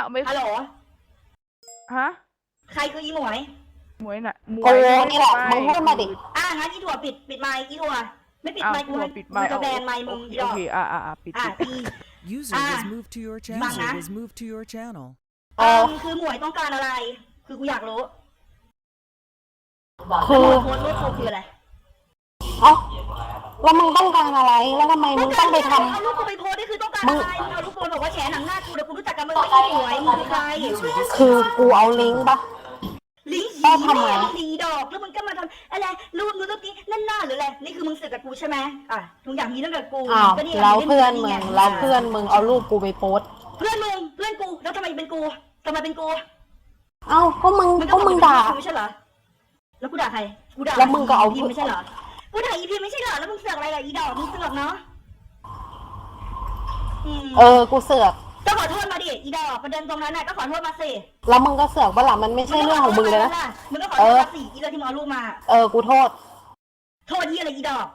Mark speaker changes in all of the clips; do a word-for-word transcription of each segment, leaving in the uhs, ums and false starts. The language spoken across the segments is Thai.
Speaker 1: าวไม่
Speaker 2: ฮัลโหล
Speaker 1: ฮะ
Speaker 2: ใครคืออีหมวย
Speaker 1: หมวยน่ะหมว
Speaker 3: โอ้
Speaker 1: ย
Speaker 3: นี่แหละมึงพูดมาดิ
Speaker 2: อ่ะงั้นอีถั่วปิดปิดไมค์อีถั่วไม่ปิด
Speaker 1: อ้าว
Speaker 2: ไมค์กู
Speaker 1: ตัว
Speaker 2: ให้
Speaker 1: ปิด
Speaker 2: กู
Speaker 1: ไมค์
Speaker 2: จะ
Speaker 1: เอา
Speaker 2: แบนไมค์มึงอีด
Speaker 1: โอ
Speaker 2: อก
Speaker 1: เคอ่าอ่าปิด
Speaker 2: อ่ะ
Speaker 1: ปิด
Speaker 2: อี
Speaker 4: User
Speaker 2: Ah.
Speaker 4: was moved to your channel.
Speaker 2: Bang
Speaker 4: User
Speaker 2: na.
Speaker 4: was moved to your channel.
Speaker 2: เออคือหมวยต้องการอะไร คือกูอยากรู้
Speaker 3: คือ
Speaker 2: โพสต์รูปกูคืออะไร
Speaker 3: เอ้าแล้วมึงต้องการอะไรแล้วทำไมมึงต้องไปทำ
Speaker 2: เอารูปกูไปโพสต์นี่คือต้องการอะไรมึงเอารูปกูบอกว่าแฉหนังหน้ากูเดี๋ยวกูรู้จักกันมึงไม่ใช่หมวยมึงคือใคร
Speaker 3: คือกูเอาลิงก์ปะ
Speaker 2: ลิงก์
Speaker 3: ได้ทำไม
Speaker 2: แม่ดีดอกแล้วมึงก็มาทำอะไรรูปนู้นรูปนี้นั่นหน้าหรืออะไรนี่คือมึงสึกกับกูใช่ไหมอ่ะทุกอย่างมีเรื่องกับกู
Speaker 3: อ้าว
Speaker 2: ก็นี่
Speaker 3: แล้วเพื่อนมึง
Speaker 2: ไ
Speaker 3: แล้วเพื่อนมึงเอารูปกูไปโพสต์
Speaker 2: เพื่อนมึงเพื่อนกูแล้วทำไมเป็นกูทำไมเป็นกู
Speaker 3: เอ้าก็มึง
Speaker 2: มึง
Speaker 3: ก็มึงด่า
Speaker 2: กูไม่ใช่เหรอแล้วกูด่าใครกูด่า
Speaker 3: แล้วมึงก็เอา
Speaker 2: พิมไม่ใช่เหรอกูด่าอีพิมไม่ใช่เหรอแล้วมึงเสือกอะไรกับอีดอกมึงเสือกเนาะอืม
Speaker 3: เออกูเสือก
Speaker 2: ก็ขอโทษมาดิอีดอกประเด็นตรงนั้นน่ะก็ขอโทษมาสิ
Speaker 3: แล้วมึงก็เสือกปะล่ะมันไม่ใช่เรื่องของมึงเลยนะ
Speaker 2: มึงก็ขอโทษมาสิอีเรื่องที่มึงเอารูปมา
Speaker 3: เออกูโทษ
Speaker 2: โทษที่อะไรอีดอก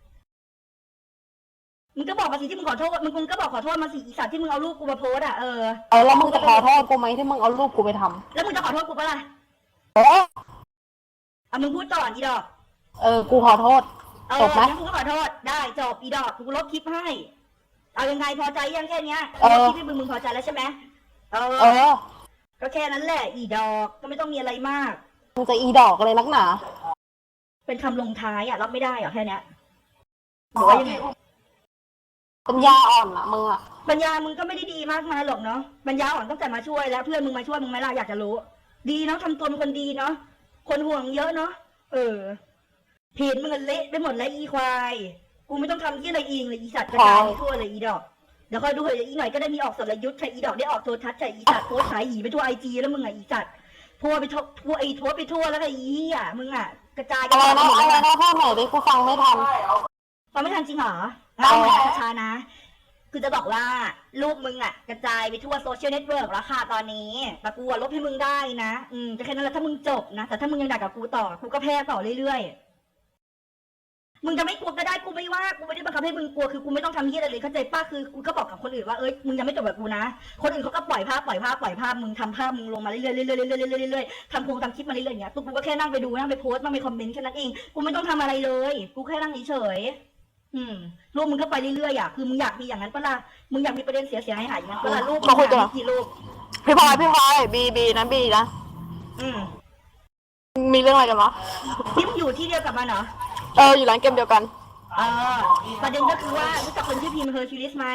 Speaker 2: มึงก็บอกมาสิที่มึงขอโทษมึงมึงก็บอกขอโทษมาสิอีสัตว์ที่มึงเอารูปกูมาโพสอ่ะเออ
Speaker 3: เออแล้วมึงจะขอโทษกูไหมที่มึงเอารูปกูไปทำ
Speaker 2: แล้วมึงจะขอโทษกูปะล่ะ
Speaker 3: เออ
Speaker 2: อ่ะมึงพูดก่อนอีดอก
Speaker 3: เออกูขอโทษ
Speaker 2: เออ
Speaker 3: จบไหม
Speaker 2: งั้นกูก็ขอโทษได้จบอีดอกกูลบคลิปให้เอายังไงพอใจยังแค่เนี้ย
Speaker 3: เออ
Speaker 2: คลิปที่มึงมึงพอใจแล้วใช่ไหมเออ
Speaker 3: เออ
Speaker 2: ก็แค่นั้นแหละอีดอกก็ไม่ต้องมีอะไรมาก
Speaker 3: มึงจะอีดอกเลยนักหนา
Speaker 2: เป็นคำลงท้ายอ่ะรับไม่ได้เหรอแค่เนี้ยหรือว่ายังไง
Speaker 3: ปัญญาอ่อนอะมึงอะ
Speaker 2: ปัญญามึงก็ไม่ได้ดีมากมายหรอกเนาะปัญญาอ่อนตั้งแต่มาช่วยแล้วเพื่อนมึงมาช่วยมึงไหมล่ะอยากจะรู้ ดีเนาะทำตัวเป็นคนดีเนาะคนห่วงเยอะเนาะเออเพจมึงเละไปหมดแล้วอีควายกูไม่ต้องทำที่อะไรอีกเลยอีสัตว์กระจายไปทั่วเลยอีดอกเดี๋ยวคอยดูเถอะอีกหน่อยก็ได้มีออกสรยุทธ์ใช่อีดอกได้ออกโทรทัศน์ใช่อีสัตว์โพสต์ขายหีไปทั่วไอจีแล้วมึงอ่ะอีสัตว์พัวไปทั่วพัวไอทัวไปทั่วแล้วก็อีอ่ะมึงอ่ะกระจายกั
Speaker 3: อะไร
Speaker 2: น
Speaker 3: นะ
Speaker 2: หมด
Speaker 3: อะไร
Speaker 2: แล้ว
Speaker 3: นะพ่อไหนดิกูฟังไม่ทัน
Speaker 2: ฟังไม่ทันจริงเหรอเอาใหม่ช้าๆนะ คือจะบอกว่ารูปมึงอ่ะกระจายไปทั่วโซเชียลเน็ตเวิร์กแล้วค่ะตอนนี้แต่กูอะลบให้มึงได้นะอืมก็แค่นั้นแหละถ้ามึงจบนะแต่ถ้ามึงยังด่ากับกูต่อกูก็แพ้ต่อเรื่อยๆมึงจะไม่กลัวก็ได้กูไม่ว่ากูไม่ได้บังคับให้มึงกลัวคือกูไม่ต้องทำเหี้ยอะไรเลยเข้าใจป้าคือกูก็บอกกับคนอื่นว่าเอ้ยมึงยังไม่จบกับกูนะคนอื่นเขาก็ปล่อยภาพปล่อยภาพปล่อยภาพมึงทำภาพมึงลงมาเรื่อยๆเรื่อยๆเรื่อยๆเรื่อยๆเรื่อยๆทำโครงทำคลิปมาเรื่อยๆอย่างเงี้ยตัวกูก็แค่นั่งไปดูนั่งไปโพสต์นั่งไปคอมเมนต์แค่นั้นเองกูไม่ต้องทำอะไรเลยกูแค่นั่งเฉยๆอืมรูปมึงก็ไปเรื่อยๆอ่ะคือมึงอยากมีอย่างนั้นปะล่ะมึงอยากมีประเด็นเสียๆให้หายอย่างนั้นปะล่ะรูปมึงหากี่รูป
Speaker 3: พี่พลอยพี่พลอยบีบีนะบีนะ
Speaker 2: อืม
Speaker 3: มีเรื่องอะไรกันวะ
Speaker 2: นี่มึงอยู่ที่เดียวกับมันเหรอ
Speaker 3: เอออยู่ร้านเกมเดียวกัน
Speaker 2: เออประเด็นก็คือว่ารู้จักคนชื่อพิมพ์เฮอร์คิวลิสไหม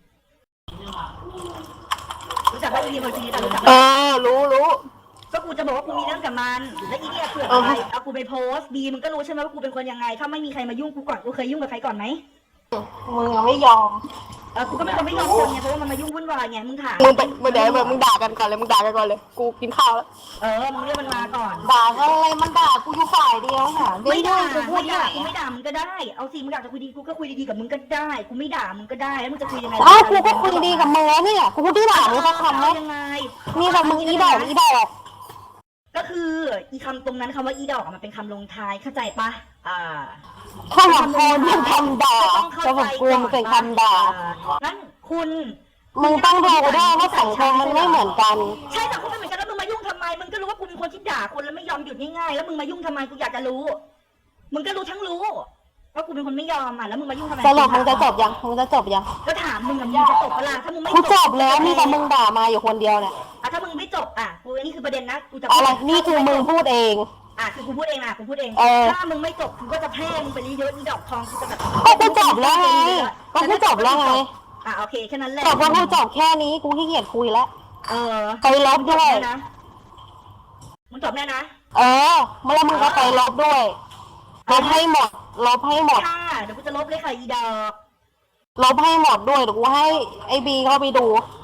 Speaker 2: รู้จักว่าอีพิมพ์เฮอร์คิวลิสรู้จัก
Speaker 3: เออรู้รู้
Speaker 2: ก็กูจะบอกว่ากูมีเรื่องกับมันและอีเนี่ยเผื่อ
Speaker 3: เออ
Speaker 2: อะไรเอากูไปโพสต์บีมึงก็รู้ใช่ไหมว่ากูเป็นคนยังไง ถ้าไม่มีใครมายุ่งกูก่อนกูเคยยุ่งกับใครก่อนไหม
Speaker 3: มึงยังไม่ยอม
Speaker 2: เออกูก็ไม่คนไม่ยอมคนไงเพราะว่ามันมายุ่งวุ่นวายไงมึงถาม
Speaker 3: มึงไปเดี๋ยวมึงด่ากันก่อนเลยมึงด่ากันก่อนเลยกูกินข้าวแล้ว
Speaker 2: เออมึงเรียกมันมาก่อน
Speaker 3: ด่ากันอะไรมันด่ากูอยู่ฝ่ายเดียวค่ะ
Speaker 2: ไม่ด่า
Speaker 3: กูพูด
Speaker 2: ไม่
Speaker 3: ได้
Speaker 2: ด่ากูไม่ด่ามึงก็ได้เอาสิมึงอยากจะคุยดีกูก็คุยดีๆกับมึงก็ได้กูไม่ด่ามึงก็ได้แล้วมึงจะคุยยังไง
Speaker 3: อ้าวกูก็คุยดีกับมึงแล้วเนี่ยกูพูดที่ด่ามึงสักคำไหม
Speaker 2: เอายังไง
Speaker 3: มีแต่มึงอีดอกอีดอก
Speaker 2: ก็คืออีคำตรงนั้นคำว่าอีดอกอะมันเป็นคำลงท้ายเข้าใจปะอ่า
Speaker 3: ข้าวหอมโคนเป็นคำด่าจะบอกกูมันเป็นคำด่า
Speaker 2: งั้นคุณ
Speaker 3: มึงต้องดูด้วยว่าสังคมมันไม่เหมือนกัน
Speaker 2: ใช่สังคมไม่เหมือนกันแล้วมึงมายุ่งทำไมมึงก็รู้ว่ากูเป็นคนที่ด่าคนแล้วไม่ยอมหยุดง่ายๆแล้วมึงมายุ่งทำไมกูอยากจะรู้ มึงก็รู้ทั้งรู้ว่ากูเป็นคนไม่ยอมอ่ะแล้วมึงมายุ่งทำไม
Speaker 3: สรุปมึงจะจบยังมึงจะจบยัง
Speaker 2: ก็ถามมึงอะมึงจะจบเวลาถ้ามึงไม่
Speaker 3: กูจบแล้วมีแต่มึงด่ามาอยู่คนเดียวเนี่ย
Speaker 2: อ่ะถ้ามึงไม่จบอ่ะกูอันนี้คือประเด็นนะกูจะ
Speaker 3: อะไรนี่คือมึงพูดเอง
Speaker 2: อ่ะคือกูพูดเองนะกูพูดเอง
Speaker 3: เออ
Speaker 2: ถ้ามึงไม่จบกูก็จะแพร่มึงไปเยอะๆอีดอกทองกูจะแบบ
Speaker 3: ก็กูจบแล้วไงก็กูจบแล้วไง
Speaker 2: อ่ะโอเคแค่นั้นแหละ
Speaker 3: จบว่ากูจบแค่นี้กูขี้เกียจคุยแล้ว
Speaker 2: เออ
Speaker 3: ไปลบด้วย
Speaker 2: มึงจบแน่นะมึงจบแน่นะ
Speaker 3: เออเมื่อไรมึงก็ไปลบด้วยลบให้หมดลบให้หมด
Speaker 2: ค่ะเดี๋ยวกูจะลบเลยค่ะอีดอก
Speaker 3: ลบให้หมดด้วยเดี๋ยวกูให้ไอ้บีเข้าไปดู
Speaker 2: เ